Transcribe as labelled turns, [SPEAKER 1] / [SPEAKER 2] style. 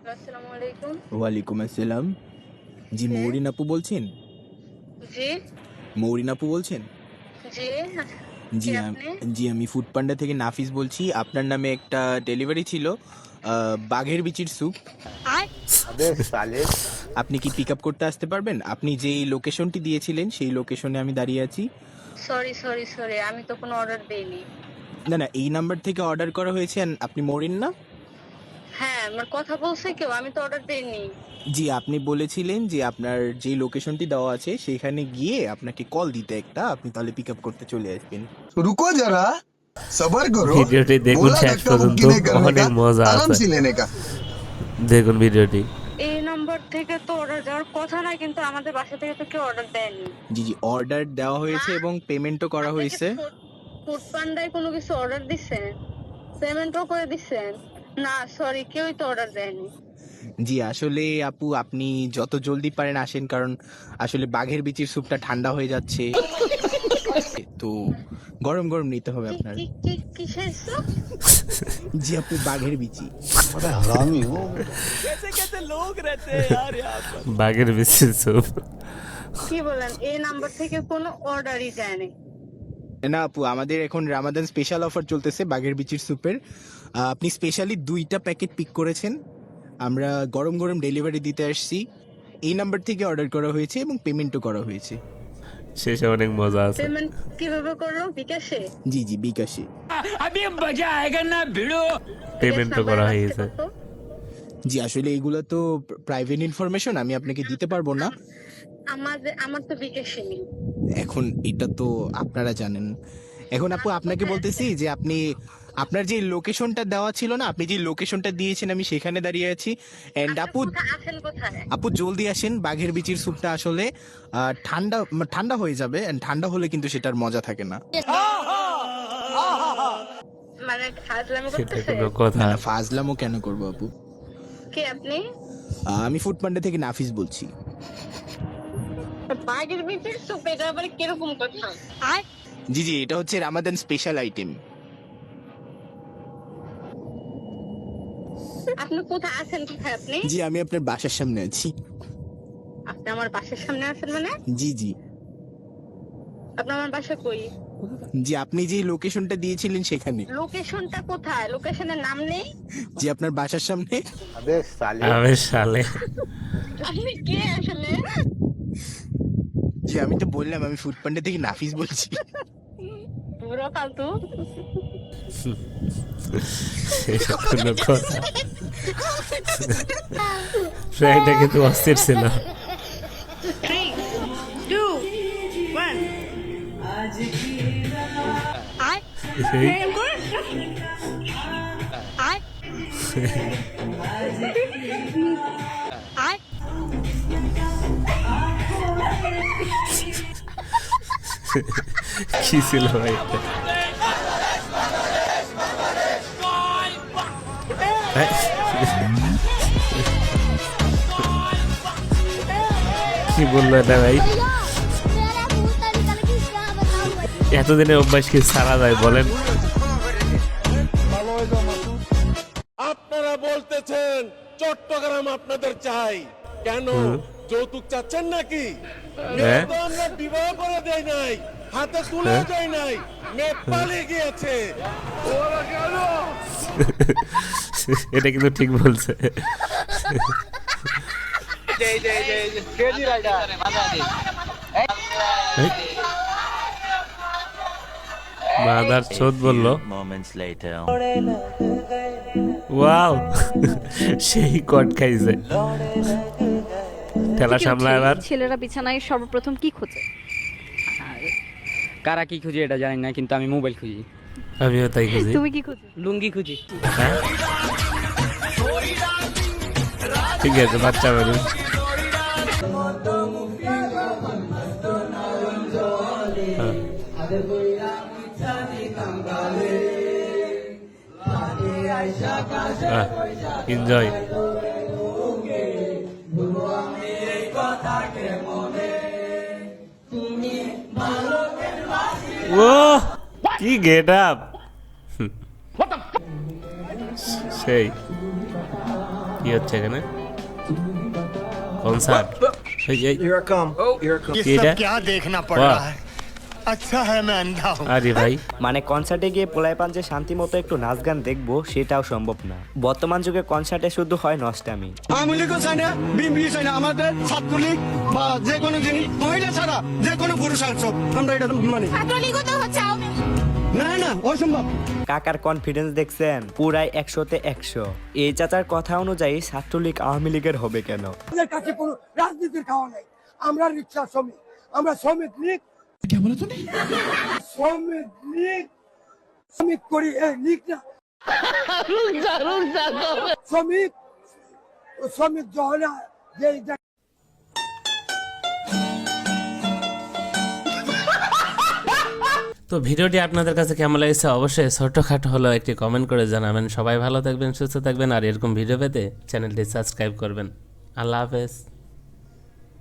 [SPEAKER 1] আসসালামু আলাইকুম।
[SPEAKER 2] ওয়ালাইকুম আসসালাম। জি
[SPEAKER 1] কে?
[SPEAKER 2] মৌরিন আপু বলছেন?
[SPEAKER 1] জি,
[SPEAKER 2] মৌরিন আপু বলছেন?
[SPEAKER 1] জি। কে
[SPEAKER 2] জি
[SPEAKER 1] আপনি?
[SPEAKER 2] জি আমি ফুড পান্ডা থেকে নাফিস বলছি। আপনার নামে একটা ডেলিভারি ছিল বাঘের বিচির স্যুপ।
[SPEAKER 3] अबे साले।
[SPEAKER 2] আপনি কি পিক আপ করতে আসতে পারবেন? আপনি যেই লোকেশনটি দিয়েছিলেন সেই লোকেশনে আমি দাঁড়িয়ে আছি।
[SPEAKER 1] সরি। আমি তো কোনো অর্ডার দেইনি।
[SPEAKER 2] না না, এই নাম্বার থেকে অর্ডার করা হয়েছে। and আপনি মৌরিন না?
[SPEAKER 1] হ্যাঁ, আমার কথা বলছে কেউ, আমি তো অর্ডার দেইনি।
[SPEAKER 2] জি আপনি বলেছিলেন যে আপনার যেই লোকেশনটি দেওয়া আছে সেখানে গিয়ে আপনাকে কল দিতে একটা, আপনি তাহলে পিক আপ করতে চলে আসবেন।
[SPEAKER 3] रुको जरा सबर करो।
[SPEAKER 4] ভিডিওটি দেখুন
[SPEAKER 3] बोला
[SPEAKER 4] শেষ
[SPEAKER 3] धक्का
[SPEAKER 4] পর্যন্ত,
[SPEAKER 3] मुक्की नहीं करने
[SPEAKER 4] অনেক
[SPEAKER 3] का,
[SPEAKER 4] মজা
[SPEAKER 3] आराम
[SPEAKER 4] আছে।
[SPEAKER 3] से लेने का।
[SPEAKER 4] দেখুন ভিডিওটি।
[SPEAKER 1] এই নম্বর থেকে তো অর্ডার দেওয়ার কথা না, কিন্তু আমাদের বাসা থেকে তো কেউ অর্ডার দেয়নি।
[SPEAKER 2] জি জি অর্ডার দেওয়া হয়েছে এবং পেমেন্টও করা
[SPEAKER 1] আপনি কি
[SPEAKER 2] হয়েছে।
[SPEAKER 1] ফুড পান্ডায় কোনো কিছু অর্ডার দিছেন? পেমেন্টও করে দিছেন? না, সরি, কেউই তো অর্ডার দেয়নি।
[SPEAKER 2] জি আসলে আপু আপনি যত জলদি পারেন আসেন, কারণ আসলে বাঘের বিচির স্যুপটা ঠান্ডা হয়ে যাচ্ছে, তো গরম গরম নিতে হবে
[SPEAKER 1] কি
[SPEAKER 2] আপনার।
[SPEAKER 1] কি কি কিসের স্যুপ?
[SPEAKER 2] জি আপু বাঘের বিচি।
[SPEAKER 3] बड़ा हरामी हो।
[SPEAKER 4] বাঘের বিচির স্যুপ।
[SPEAKER 1] কি বলেন? এই নাম্বার থেকে কোনো অর্ডারই দেয়নি।
[SPEAKER 2] না আপু, আমাদের এখন রামাদান স্পেশাল অফার চলতেছে বাঘের বিচির স্যুপের। আপনি স্পেশালি 2টা প্যাকেট পিক করেছেন, আমরা গরম গরম ডেলিভারি দিতে আসছি। এই নাম্বার থেকে অর্ডার করা হয়েছে এবং পেমেন্টও করা হয়েছে।
[SPEAKER 4] শেষে অনেক মজা আছে।
[SPEAKER 1] পেমেন্ট কিভাবে করলো? বিকাশে?
[SPEAKER 2] জি জি বিকাশে।
[SPEAKER 4] পেমেন্টও করা হয়েছে।
[SPEAKER 2] জি আসলে এইগুলো তো প্রাইভেট ইনফরমেশন, আমি আপনাকে দিতে পারবো না।
[SPEAKER 1] আমার তো বিকাশে নেই।
[SPEAKER 2] এখন এটা তো আপনারা জানেন। এখন আপু আপনাকে বলতেছি যে আপনি আপনার যে লোকেশনটা দেওয়া ছিল না, আপনি যে লোকেশনটা দিয়েছেন আমি সেখানে দাঁড়িয়ে আছি। এন্ড আপু
[SPEAKER 1] আছেন কোথায়?
[SPEAKER 2] আপু জলদি আসেন, বাঘের বিচির স্যুপটা আসলে ঠান্ডা ঠান্ডা হয়ে যাবে, and ঠান্ডা হলে কিন্তু সেটার মজা থাকে না।
[SPEAKER 1] মানে ফাজলামি
[SPEAKER 4] সেটা
[SPEAKER 1] করতেছে?
[SPEAKER 4] কোনো কথা?
[SPEAKER 2] না না, ফাজলামও কেন করবো আপু।
[SPEAKER 1] কে আপনি?
[SPEAKER 2] আমি ফুড পান্ডা থেকে নাফিস বলছি।
[SPEAKER 1] বাঘের বিচির স্যুপ, এটা আবার কিরকম কথা?
[SPEAKER 2] জি জি এটা হচ্ছে রামাদান স্পেশাল আইটেম।
[SPEAKER 1] আপনি কোথায় আছেন? কোথায় আপনি?
[SPEAKER 2] জি আমি আপনার বাসার সামনে আছি।
[SPEAKER 1] আপনি আমার বাসার সামনে আছেন মানে?
[SPEAKER 2] জি জি
[SPEAKER 1] আপনি আমার বাসা কই?
[SPEAKER 2] জি আপনি যে লোকেশনটা দিয়েছিলেন সেখানে।
[SPEAKER 1] লোকেশনটা কোথায়? লোকেশনের নাম নেই?
[SPEAKER 2] জি আপনার বাসার সামনে।
[SPEAKER 3] अबे साले।
[SPEAKER 4] আমি সালে।
[SPEAKER 1] আপনি কে আসলে?
[SPEAKER 2] জি আমি তো বললাম আমি ফুড পান্ডা থেকে নাফিস বলছি।
[SPEAKER 1] বুড়ো ফালতু।
[SPEAKER 4] সেটা কোনো কথা? ট্রাইটা কিন্তু অস্থির ছিল।
[SPEAKER 1] 3, 2, 1
[SPEAKER 4] কি ছিল ভাই এটা? কি বললো এটা ভাই? এতদিনের অভ্যাস কি সারা যায় বলেন?
[SPEAKER 5] আপনারা বলতেছেন চট্টগ্রাম আপনাদের চাই, কেন যৌতুক চাচ্ছেন নাকি? মেয়ে তো আমরা বিবাহ করে দেই নাই, হাতে তুলে দেই নাই, মেয়ে পালিয়ে গিয়েছে।
[SPEAKER 4] এটা কিন্তু ঠিক বলছে। মাদার চোদ বললো। ওয়াও, সেই কট খাইছে। ঠেলা সামলা এবার।
[SPEAKER 6] ছেলেরা বিছানায় সর্বপ্রথম কি খোঁজে?
[SPEAKER 7] কারা কি খুঁজি এটা জানি না, কিন্তু আমি মোবাইল খুঁজি,
[SPEAKER 4] আমিও তাই খুঁজি।
[SPEAKER 6] তুমি কি খোঁজো?
[SPEAKER 7] লুঙ্গি খুঁজি।
[SPEAKER 4] হ্যাঁ? ঠিক আছে বাচ্চা মানুষ। এনজয়। ও কি গেট আপ! সেই কি হচ্ছে এখানে কনসার্ট কি এটা
[SPEAKER 8] क्या देखना पड़
[SPEAKER 4] वाह।
[SPEAKER 8] रहा है अच्छा है मैं अंधा हूँ
[SPEAKER 4] আরে ভাই
[SPEAKER 9] মানে কনসার্টে গিয়ে পোলাইপান যে শান্তি মতো একটু নাচ গান দেখবো সেটাও সম্ভব না। বর্তমান যুগে কনসার্টে শুধু হয় নষ্টামি।
[SPEAKER 8] আওয়ামী লীগও চাই না বিএনপি চাই না, আমাদের ছাত্রলীগ বা যে কোনো জিনিস মহিলা ছাড়া যে কোনো পুরুষাংশ আমরা এটা মানি না না অসম্ভব।
[SPEAKER 9] কাকার কনফিডেন্স দেখছেন পুরাই 100-তে 100। এই চাচার কথা অনুযায়ী ছাত্রলীগ আওয়ামী লীগের হবে কেন?
[SPEAKER 8] আমাদের কাছে কোনো রাজনীতির খাওয়া নাই, আমরা রিক্সা শ্রমিক, আমরা শ্রমিক লীগ শ্রমিক লীগ শ্রমিক করি এই লীগ না শ্রমিক শ্রমিক জহলা যে
[SPEAKER 4] তো ভিডিওটি আপনাদের কাছে কেমন লাগছে অবশ্যই ছোটখাটো হলেও একটি কমেন্ট করে জানাবেন। সবাই ভালো থাকবেন, সুস্থ থাকবেন, আর এরকম ভিডিও পেতে চ্যানেলটি সাবস্ক্রাইব করবেন। আল্লাহ হাফেজ।